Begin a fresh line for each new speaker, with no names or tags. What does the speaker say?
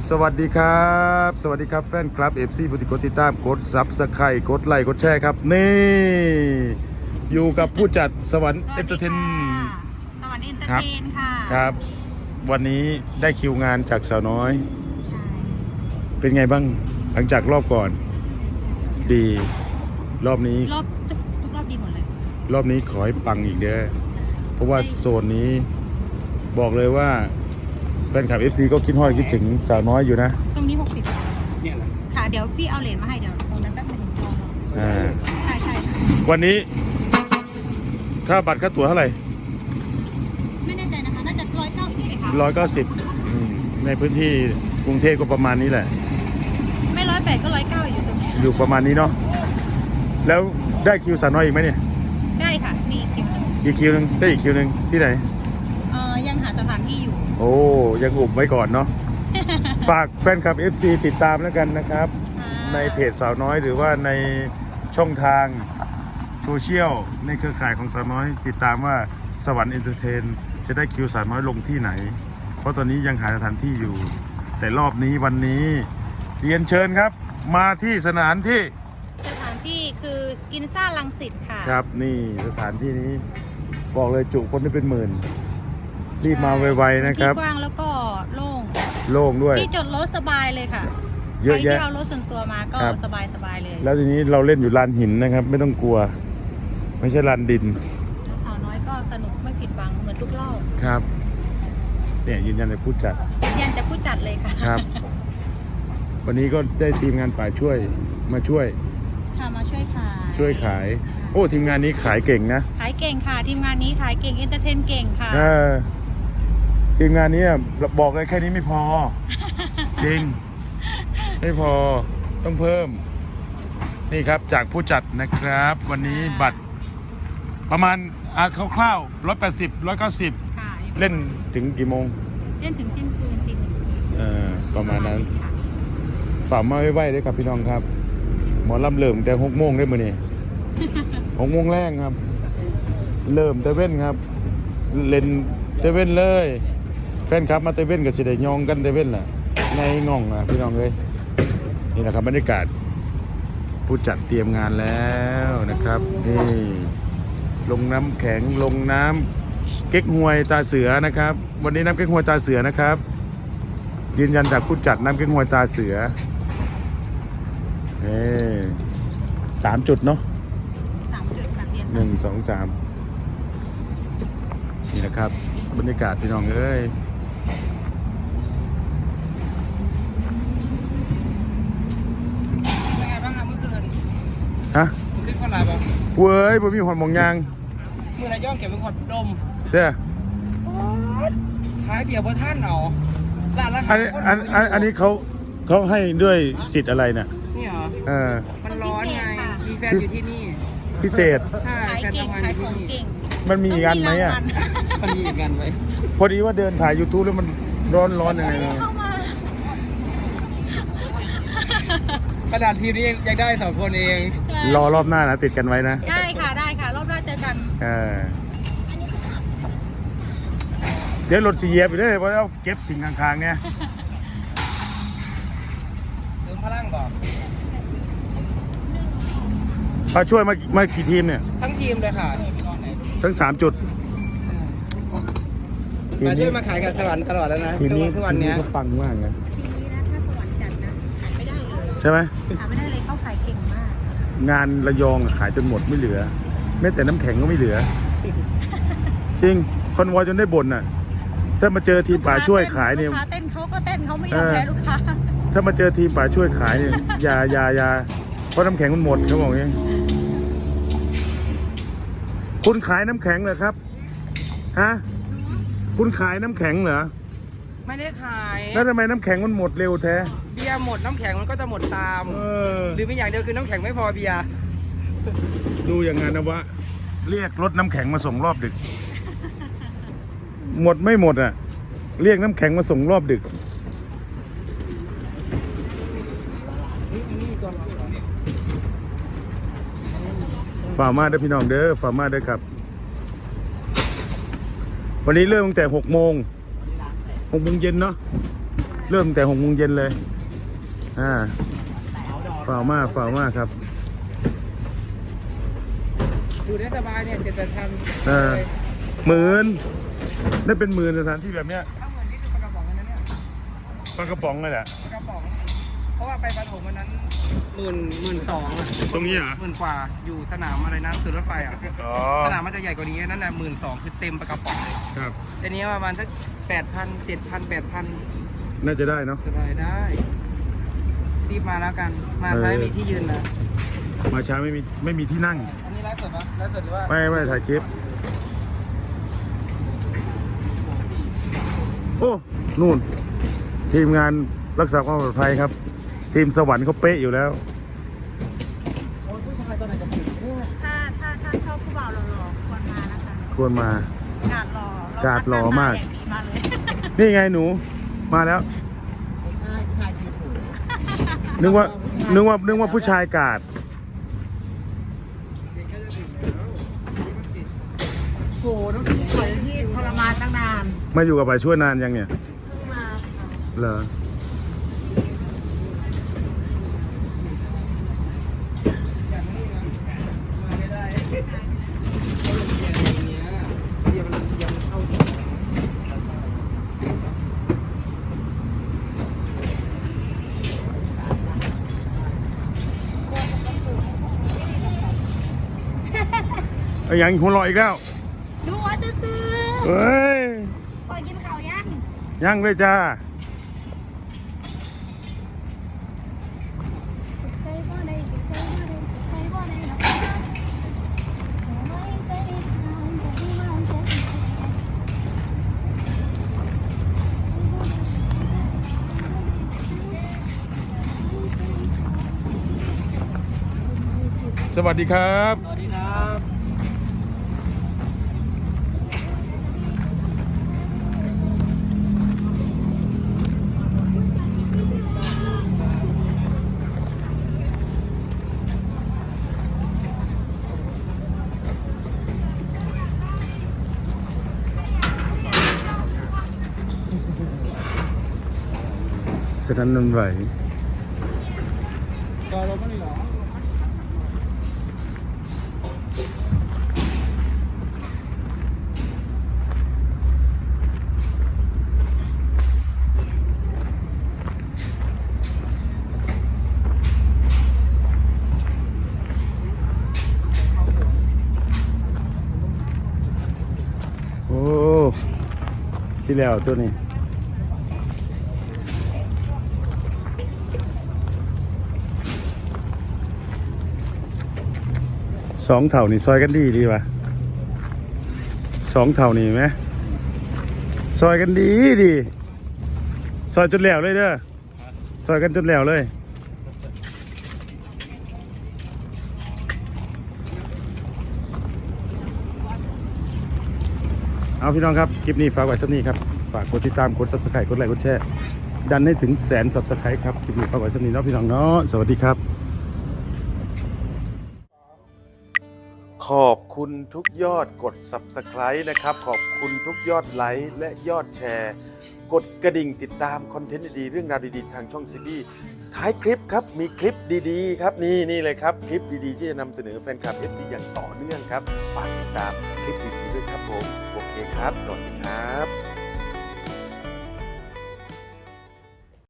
สวัสดีครับสวัสดีครับแฟนคลับ FC ผู้ที่กดติดตามกดซับสไครต์กดไลค์กดแชร์ครับนี่อยู่กับผู้จัดสวรรค์เอนเตอร์เทน
สวรรค์เอนเตอร์เทนค่ะ
ครับวันนี้ได้คิวงานจากสาวน้อยเป็นไงบ้างหลังจากรอบก่อนดีรอบนี้
ทุกรอบดีหมดเลย
รอบนี้ขอให้ปังอีกเด้อเพราะว่าโซนนี้บอกเลยว่าแฟนคลับ FC ก็คิดฮอดคิดถึงสาวน้อยอยู่นะ
ตรงนี้60เนี่ยแหละค่ะเดี๋ยวพี่เอาเหรียญมาให้เดี๋ยวตรงนั้นแป๊บนึงใช่
วันนี้ค่าบัตรค่าตั๋วเท่าไหร่
ไม่แน่ใจนะคะน่าจะ190เลยค่ะ
190ในพื้นที่กรุงเทพก็ประมาณนี้แหละ
ไม่108ก็109อยู่ตรงนี้
อยู่ประมาณนี้เนาะแล้วได้คิวสาวน้อยอีกไหมเนี่ย
ได้ค่ะมีคิวนึง
อีกคิวนึงได้อีกคิวนึงที่ไหน
ยังหาสถานที่อยู่
โอ้ยังอุบไว้ก่อนเนาะ ฝากแฟนคลับ FC ติดตามแล้วกันนะครับในเพจสาวน้อยหรือว่าในช่องทางโซเชียลในเครือข่ายของสาวน้อยติดตามว่าสวรรค์เอนเตอร์เทนจะได้คิวสาวน้อยลงที่ไหนเพราะตอนนี้ยังหาสถานที่อยู่แต่รอบนี้วันนี้เรียนเชิญครับมาที่สถานที่
คือกินซ่ารังสิตค่ะ
ครับนี่สถานที่นี้บอกเลยจุคนได้เป็นหมื่นรีบมาไวๆนะครับ
ที่กว้างแล้วก็โ
ล่งด้วย
ที่จอดรถสบายเลยค่ะ
เยอะแยะ
ที่เอารถส่วนตัวมาก็สบายเลย
แล้วทีนี้เราเล่นอยู่ลานหินนะครับไม่ต้องกลัวไม่ใช่ลานดิน
สาวน้อยก็สนุกไม่ผิดหวังเหมือนทุกรอบ
ครับเนี่ยยืนยันจากผู้จัด
เลยค่ะ
ครับวันนี้ก็ได้ทีมงานป่าช่วยมาช่วยขายโอ้ทีมงานนี้ขายเก่งนะ
ขายเก่งค่ะทีมงานนี้ขายเก่งเอนเตอร์เทนเก่งค่ะ
ทีมงานนี้บอกเลยแค่นี้ไม่พอ จริงไม่พอต้องเพิ่มนี่ครับจากผู้จัดนะครับวันนี้บัตรประมาณคร่าวๆ180 190เล่นถึงกี่โมง
เล่นถึงเที่ยงคืนตี
ประมาณนั้นฝากมาไว้ด้วยครับพี่น้องครับหมอลำเริ่มแต่6 โมงได้มื้อนี้6 โมงแรกครับเริ่มเตเว่นครับเล่นเตเว่นเลยแฟนคลับมาเตเว่นก็สิได้ยองกันเตเว่นแหละในง่องนะพี่น้องเลยนี่แหละครับบรรยากาศผู้จัดเตรียมงานแล้วนะครับนี่ลงน้ำแข็งลงน้ำเก๊กฮวยตาเสือนะครับวันนี้น้ำเก๊กฮวยตาเสือนะครับยืนยันจากผู้จัดน้ำเก๊กฮวยตาเสือ3 จุดเนาะ
3 จุดค่ะ
1 2 3นี่นะครับบรรยากาศพี่น้องเอ้ย
เป็นไงบ้างครับเมื่อคืน
ฮะ
มึงได้คนอะไรบ้าง
เว้ยผมมีหอนมองยาง
มือนายย่องเก็บเป็นคนดม
เด้อ
ท้ายเบียร์บนท่านเหรอ
อันนี้เขาให้ด้วยสิทธิ์อะไรเนี่ย
นี่เหรอมันร้อนไงมีแฟนอยู่ที่นี่
พิเศษ
ใช่แฟนทำงานอยู่ที่นี่
มันมีอีกอันไหม
มันมีอีกอันไหม
พอดีว่าเดินถ่าย YouTube แล้วมันร้อนยังไง
กระดาษทีมนี้ยังได้2 คนเอง
รอรอบหน้านะติดกันไว้นะ
ได้ค่ะรอบหน้าเจอกัน
เดี๋ยวรถสีเยียบไปเลยเพราะเอาเก็บสิ่งข้างๆเนี่ย
เติมพลังบอก
มาช่วยมากี่ทีมเนี่ย
ทั้งทีมเลยค่ะ
ทั้ง3 จุด
มาช่วยมาขายกับสวรรค์ตลอดแล้วนะ
ทีนี้
ทุกวันนี้
ก็ปังมากนะ
ทีนี้นะถ้าสวรรค์จัดนะขายไม่ได้เลย
ใช่ไหม
ขายไม่ได้เลยเขาขายเก่งมาก
งานระยองขายจนหมดไม่เหลือแม้แต่น้ำแข็งก็ไม่เหลือจริงคอนวอยจนได้บ่นน่ะถ้ามาเจอทีมป่าช่วยขายเนี่ย
ลูกค้าเต้นเขาก็เต้นเขาไม่ยอมแพ้ลูกค้า
ถ้ามาเจอทีมป่าช่วยขายเนี่ยอย่าเพราะน้ำแข็งมันหมดเขาบอกอย่างนี้คุณขายน้ำแข็งเหรอครับฮะคุณขายน้ำแข็งเหรอ
ไม่ได้ขาย
แล้วทำไมน้ำแข็งมันหมดเร็วแท้
เบียร์หมดน้ำแข็งมันก็จะหมดตามหรือเป็นอย่างเดียวคือน้ำแข็งไม่พอเบียร์
ดูอย่างงั้นนะวะเรียกรถน้ำแข็งมาส่งรอบดึกหมดไม่หมดอ่ะเรียกน้ำแข็งมาส่งรอบดึกฝ่ามาได้พี่น้องเด้อฝ่ามาได้ครับวันนี้เริ่มตั้งแต่6 โมงเย็นเนาะเริ่มแต่6 โมงเย็นเลยฝ่าวมากครับ
อยู่ได้สบายเนี่ย7-8 พัน
10,000ได้เป็น10,000สถานที่แบบเนี้ย
ถ้าเหมือนนี่คือปลากระป๋องกันนะเนี่ย
ปลากระป๋องเลยแหละ
ปลากระป๋อง เพราะว่าไปปฐมวันนั้น12,000อ่ะ
ตรงนี้เหรอ
10,000 กว่าอยู่สนามอะไรนะสุดรถไฟอ่ะ
อ๋อ
สนามมันจะใหญ่กว่านี้นั่นน่ะ12,000คือเต็มปลากระป๋องเลย
ครับ
ทีนี้ประมาณสัก8,000 7,000 8,000
น่าจะได้เนาะ
สบายได้รีบมาแล้วกันมาใช้มีที่ยืนนะ
มาช้าไม่มีที่นั่ง
อันนี้ไลฟ์สดนะไลฟ์สดหรือว่า
ไม่ถ่ายคลิปโอ้นู่นทีมงานรักษาความปลอดภัยครับ ทีมสวรรค์เขาเป๊ะอยู่แล้ว
โอ้ยผู้ชายตัวไหนจะถึงเนี่ย
ถ้าชอบผู้บ่าวหล่อๆควรมานะคะ
ควรมา
กาดหล่อ
หล่อมาก
มาเลย
นี่ไงหนูมาแล้ว
ใช่ผู้ชายจีบผม
นึกว่าผู้ชายกาด
เด็กก็จะถึงแล้ว
โหน้องพี่ปล่อยพี่ทรมานตั้งนาน
มาอยู่กับป่าช่วยนานยังเนี่ย
เพิ่งมา
เหรอ
อย่างนี้นะมาไม่ได้เขาลงเรียนอย่างเงี้ยยังเข้าถึง
ไอ้ยังหัวเราะอีกแล้ว
ดูว่าซื้อ
เฮ้ย
ปล่อยกินข้าวยัง
ยังเลยจ้า
ใช่บ่ได้ใช่บ่ได้ใช่บ่ได้หรอกไม่ได้ทางที่มันจะ
สวัสดีครับ
สวัสดีครับ
สนั่นหวันไหว
ก็เราไม่ได้หรอ
โอ้สิแล้วตัวนี้สองเท่านี่ซอยกันดีป่ะ2 เท่านี่ไหมซอยกันดีซอยจนแล้วเลยเด้อซอยกันจนแล้วเลยเอาพี่น้องครับคลิปนี้ฝากไว้สักนี้ครับฝากกดติดตามกด Subscribe กดไลค์กดแชร์ดันให้ถึง100,000 Subscribe ครับคลิปนี้ฝากไว้สักนี้เนาะพี่น้องเนาะสวัสดีครับขอบคุณทุกยอดกด Subscribe นะครับขอบคุณทุกยอดไลค์และยอดแชร์กดกระดิ่งติดตามคอนเทนต์ดีๆเรื่องราวดีๆทางช่องซีบีท้ายคลิปครับมีคลิปดีๆครับนี่เลยครับคลิปดีๆที่จะนำเสนอแฟนคลับ FC อย่างต่อเนื่องครับฝากติดตามคลิปดีๆด้วยครับผมโอเคครับสวัสดีครับ